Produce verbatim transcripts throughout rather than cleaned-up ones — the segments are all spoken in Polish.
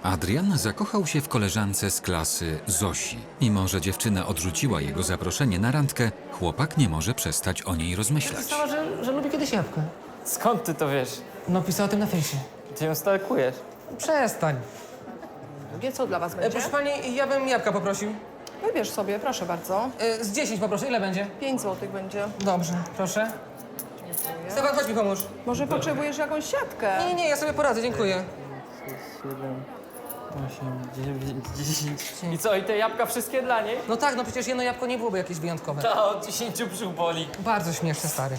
Adrian zakochał się w koleżance z klasy Zosi. Mimo że dziewczyna odrzuciła jego zaproszenie na randkę, chłopak nie może przestać o niej rozmyślać. Pisała, że, że lubi kiedyś jabłkę. Skąd ty to wiesz? No, pisała o tym na fejsie. Ty ją stalkujesz. Przestań. Wie, co dla was E, będzie? proszę pani, ja bym jabłka poprosił. Wybierz sobie, proszę bardzo. E, z dziesięć poproszę. Ile będzie? pięć złotych będzie. Dobrze, proszę. Stefan, chodź mi pomóż. Może potrzebujesz jakąś siatkę? Nie, nie, nie, ja sobie poradzę, dziękuję. siedem, osiem, dziewięć, dziesięć. I co, i te jabłka wszystkie dla niej? No tak, no przecież jedno jabłko nie byłoby jakieś wyjątkowe. Ta od dziesięciu brzuch boli. Bardzo śmieszny, stary.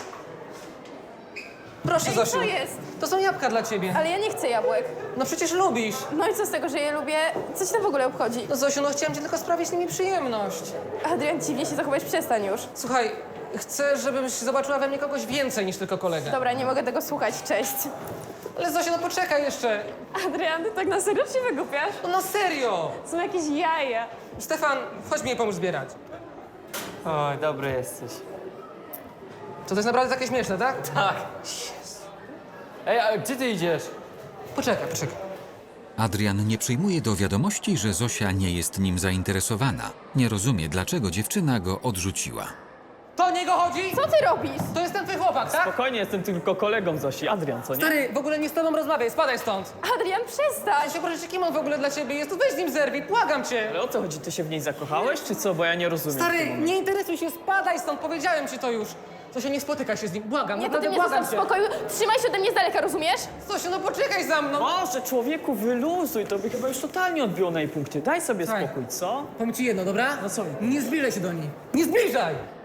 Proszę, Ej, Zosiu. co jest? To są jabłka dla ciebie. Ale ja nie chcę jabłek. No przecież lubisz. No i co z tego, że je lubię? Co ci to w ogóle obchodzi? No Zosiu, no chciałem ci tylko sprawić z nimi przyjemność. Adrian, dziwnie się zachować, przestań już. Słuchaj, chcę, żebyś zobaczyła we mnie kogoś więcej niż tylko kolegę. Dobra, nie mogę tego słuchać, cześć. Ale Zosiu, no poczekaj jeszcze. Adrian, ty tak na serio się wygłupiasz? No na serio. Są jakieś jaja. Stefan, chodź mi je pomóż zbierać. Oj, dobry jesteś. To to jest naprawdę takie śmieszne, tak? Tak. Ej, a gdzie ty idziesz? Poczekaj, poczekaj. Adrian nie przyjmuje do wiadomości, że Zosia nie jest nim zainteresowana. Nie rozumie, dlaczego dziewczyna go odrzuciła. To o niego chodzi? Co ty robisz? To jest ten twój chłopak, tak? Spokojnie, jestem tylko kolegą Zosi. Adrian, co nie? Stary, w ogóle nie z tobą rozmawiaj, spadaj stąd. Adrian, przestań! Ja się proszę, kim on w ogóle dla ciebie jest? To weź z nim zerwij, błagam cię. Ale o co chodzi? Ty się w niej zakochałeś, czy co? Bo ja nie rozumiem. w tym Stary, momencie. nie interesuj się, spadaj stąd, powiedziałem ci to już. Zosia, nie spotyka się z nim, błagam, Nie, to ty naprawdę mnie błagam zostaw w cię. spokoju. Trzymaj się ode mnie z daleka, rozumiesz? Zosiu, no poczekaj za mną. Może, człowieku, wyluzuj, to by chyba już totalnie odbiło na jej punkcie. Daj sobie Słuchaj. spokój, co? Powiem ci jedno, dobra? No co? Nie zbliżaj się do niej. Nie zbliżaj!